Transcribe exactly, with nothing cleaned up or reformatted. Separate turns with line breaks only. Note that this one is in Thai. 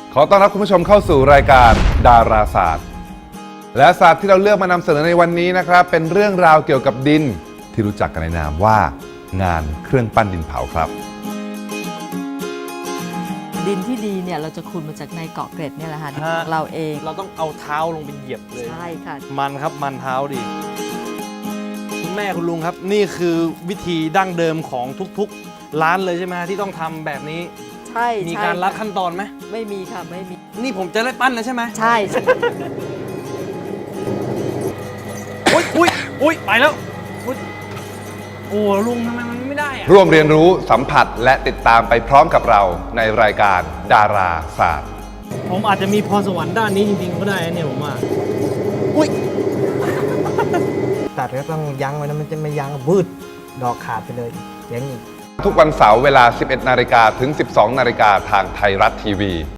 ขอต้อนรับคุณผู้ชมเข้าสู่รายการดาราศาสตร์และศาสตร์ที่เราเลือกมานำเสนอในวันนี้นะครับเป็นเรื่องราวเกี่ยวกับดินที่รู้จักกันในนามว่างานเครื่องปั้นดินเผาครับ
ดินที่ดีเนี่ยเราจะขุดมาจากในเกาะเกร็ดเนี่ยแหละค่ะของเราเอง
เราต้องเอาเท้าลงไปเหยียบเลย
ใช่ค่ะ
มันครับมันเท้าดิคุณแม่คุณลุงครับนี่คือวิธีดั้งเดิมของทุกๆร้านเลยใช่ไหมที่ต้องทำแบบนี้
ใช่
มีการลัดขั้นตอนไหม
ไม่มีค่ะไม่มี
นี่ผมจะได้ปั้นแล้วใช่ไหม
ใช่
อุ้ยอุ้ยอุ้ยไปแล้วโอ้ลุงทำไมมันไม่ได้อะ
ร่วมเรียนรู้สัมผัสและติดตามไปพร้อมกับเราในรายการดาราศาสตร์
ผมอาจจะมีพรสวรรค์ด้านนี้จริงๆก็ได้เนี่ยผมว่าอุ้ย
ตัดก็ต้องยั้งไว้นะมันจะไม่ยั้งบืดดอกขาดไปเลยอย่างนี้
ทุกวันเสาร์เวลา สิบเอ็ดนาฬิกาถึง สิบสองนาฬิกาทางไทยรัฐทีวี